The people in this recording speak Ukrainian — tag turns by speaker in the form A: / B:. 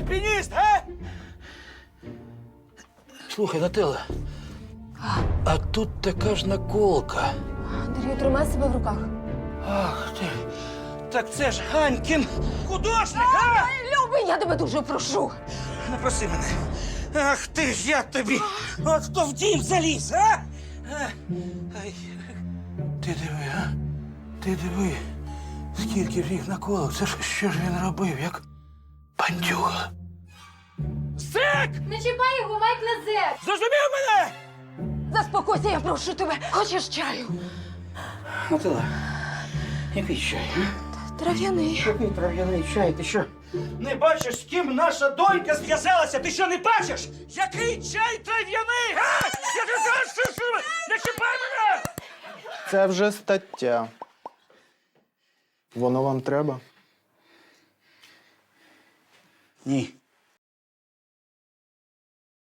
A: альпініст, а? Слухай, Нателла, а тут така ж наколка.
B: Андрію, тримай себе в руках.
A: Ах ти, так це ж Ганькін художник, а?
B: Любий, я тебе дуже прошу.
A: Не проси мене. Ах ти ж, я тобі. От хто в дім заліз, а? Ай. Ти диви, а? Ти диви, скільки ж їх наколок. Це ж що ж він робив, як бандюга? Зек!
C: Не чіпай його, Майк не зек!
A: Зрозумів мене?
B: Заспокойся, я прошу тебе. Хочеш чаю?
A: Нателла, який чай, а?
B: Трав'яний.
A: Який трав'яний чай, ти що? Не бачиш, з ким наша донька зв'язалася? Ти що, не бачиш? Який чай трав'яний, га? Я тобі кажу, що не чіпай мене!
D: Це вже стаття. Воно вам треба?
A: Ні.